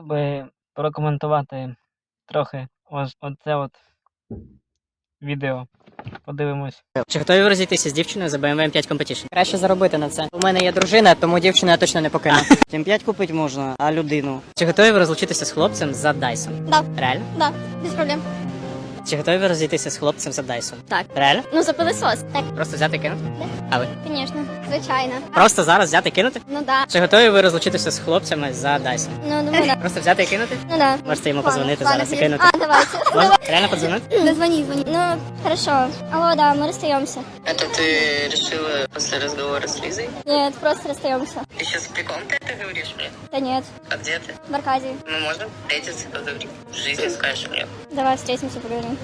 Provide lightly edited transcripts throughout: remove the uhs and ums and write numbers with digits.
би прокоментувати трохи ось оце відео. Подивимось. Чи готові ви розійтися з дівчиною за BMW M5 Competition? Краще заробити на це. У мене є дружина, тому дівчину я точно не покину. М5 купити можна, а людину? Чи готові ви розлучитися з хлопцем за Dyson? Да, Реально? да, без проблем. Чи готові ви розійтися з хлопцем за Dyson? Так. Реально? Ну, за пилосос. Так, Просто взяти і кинути? А ви? звісно, звичайно. Просто зараз взяти і кинути? Ну да. Чи готові ви розлучитися з хлопцями за Dyson? Ну, думаю, да. Просто взяти і кинути? Ну да. Можете йому Ладно, подзвонити ладно, зараз і конечно. кинути. А, давайте. Можна? Реально подзвонити? Да звони. Ну, хорошо. Алло, да, мы расстаемся. Это ты решила после разговора с Лизой? Нет, просто расстаемся. Ты сейчас приколом ты это говоришь мне? Да нет, А где ты? в Аркадии. Мы можем встретиться, поговорить. В жизни скажешь мне. Давай встретимся, поговорим.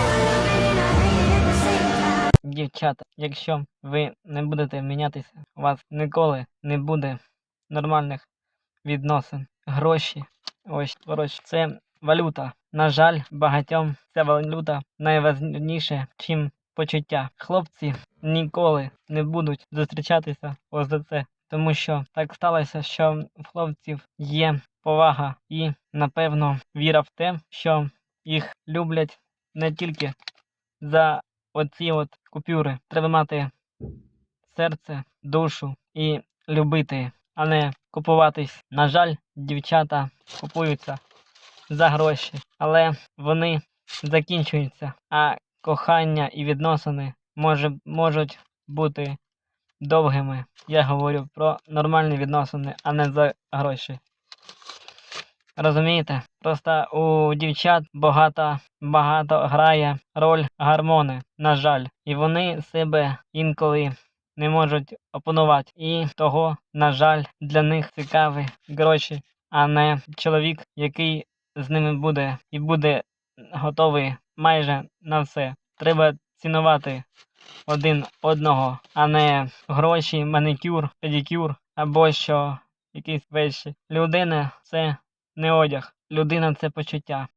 Дівчата, якщо ви не будете мінятися, у вас ніколи не буде нормальних відносин. Гроші, ось, коротше, це валюта. На жаль, багатьом ця валюта найважніше, чим почуття. Хлопці ніколи не будуть зустрічатися ось за це. Тому що так сталося, що в хлопців є повага і, напевно, віра в те, що їх люблять не тільки за оці купюри. Треба мати серце, душу і любити, а не купуватись. На жаль, дівчата купуються за гроші, але вони закінчуються, а кохання і відносини можуть бути довгими. Я говорю про нормальні відносини, а не за гроші. Розумієте? Просто у дівчат багато грає роль гормони, на жаль. І вони себе інколи не можуть опанувати. І того, на жаль, для них цікаві гроші, а не чоловік, який з ними буде і буде готовий майже на все. Треба цінувати один одного, а не гроші, манікюр, педикюр або що якісь речі. Людина – це не одяг. Людина – це почуття.